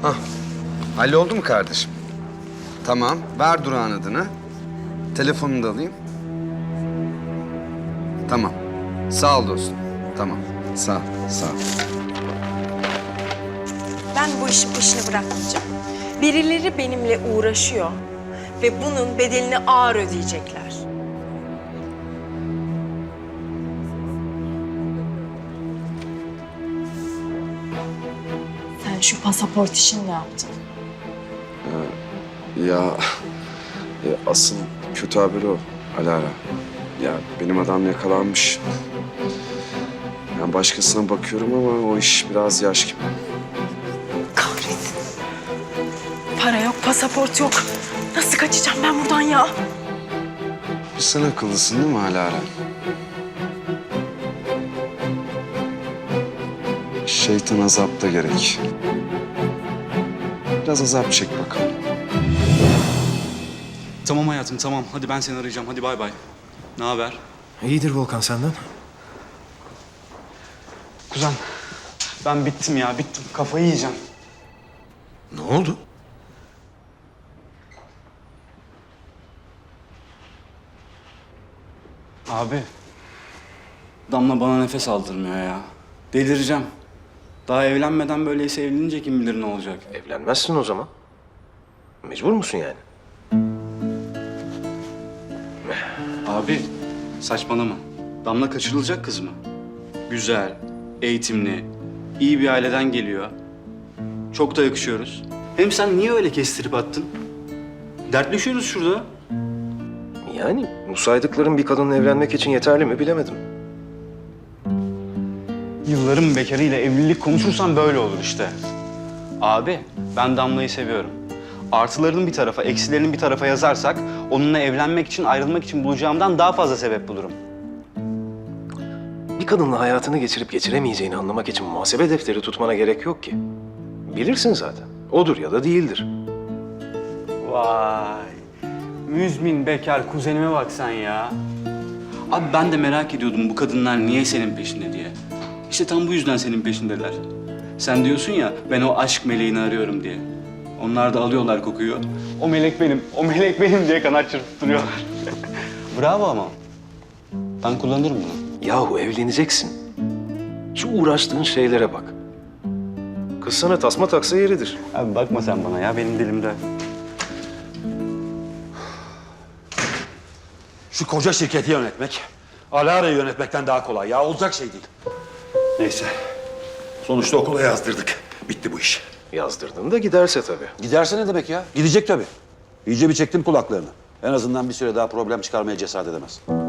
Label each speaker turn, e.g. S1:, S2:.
S1: Hah. Halloldu mu kardeşim? Tamam. Ver Durak'ın adını. Telefonunu da alayım. Tamam. Sağ ol dostum. Tamam. Sağ ol. Sağ ol.
S2: Ben bu işin peşini bırakmayacağım. Birileri benimle uğraşıyor ve bunun bedelini ağır ödeyecekler. Sen şu pasaport işini ne yaptın?
S3: Ya asıl kötü haber o Alara. Ya benim adam yakalanmış. Ben başkasına bakıyorum ama o iş biraz yaş gibi.
S2: Kahretsin. Para yok, pasaport yok. Nasıl kaçacağım ben buradan ya?
S1: Bir sen akıllısın değil mi Alara? Şeytan azap da gerek. Biraz azap çek bakalım.
S4: Tamam hayatım tamam. Hadi ben seni arayacağım. Hadi bay bay. Ne haber?
S5: İyidir Volkan senden.
S4: Kuzen ben bittim ya bittim. Kafayı yiyeceğim.
S5: Ne oldu?
S4: Abi. Damla bana nefes aldırmıyor ya. Delireceğim. Daha evlenmeden böyleyse evlenince kim bilir ne olacak.
S5: Evlenmezsin o zaman. Mecbur musun yani?
S4: Abi saçmalama. Damla kaçırılacak kız mı? Güzel, eğitimli, iyi bir aileden geliyor. Çok da yakışıyoruz. Hem sen niye öyle kestirip attın? Dertleşiyoruz şurada.
S5: Yani bu saydıkların bir kadınla evlenmek için yeterli mi bilemedim.
S4: Yılların bekarıyla evlilik konuşursan böyle olur işte. Abi, ben Damla'yı seviyorum. Artılarını bir tarafa, eksilerini bir tarafa yazarsak... ...onunla evlenmek için, ayrılmak için bulacağımdan daha fazla sebep bulurum.
S5: Bir kadınla hayatını geçirip geçiremeyeceğini anlamak için muhasebe defteri tutmana gerek yok ki. Bilirsin zaten. Odur ya da değildir.
S4: Vay, müzmin bekar kuzenime bak sen ya. Abi ben de merak ediyordum bu kadınlar niye senin peşinde diye. İşte tam bu yüzden senin peşindeler. Sen diyorsun ya, ben o aşk meleğini arıyorum diye. Onlar da alıyorlar kokuyu. O melek benim, o melek benim diye kanat çırptırıyorlar. Bravo ama. Ben kullanırım bunu.
S5: Yahu evleneceksin. Şu uğraştığın şeylere bak. Kız sana tasma taksa yeridir.
S4: Abi bakma sen bana ya, benim dilimde.
S6: Şu koca şirketi yönetmek, Alara'yı yönetmekten daha kolay ya. Olacak şey değil. Neyse. Sonuçta okula yazdırdık. Bitti bu iş.
S5: Yazdırdın da giderse tabii.
S6: Giderse ne demek ya? Gidecek tabii. İyice bir çektim kulaklarını. En azından bir süre daha problem çıkarmaya cesaret edemez.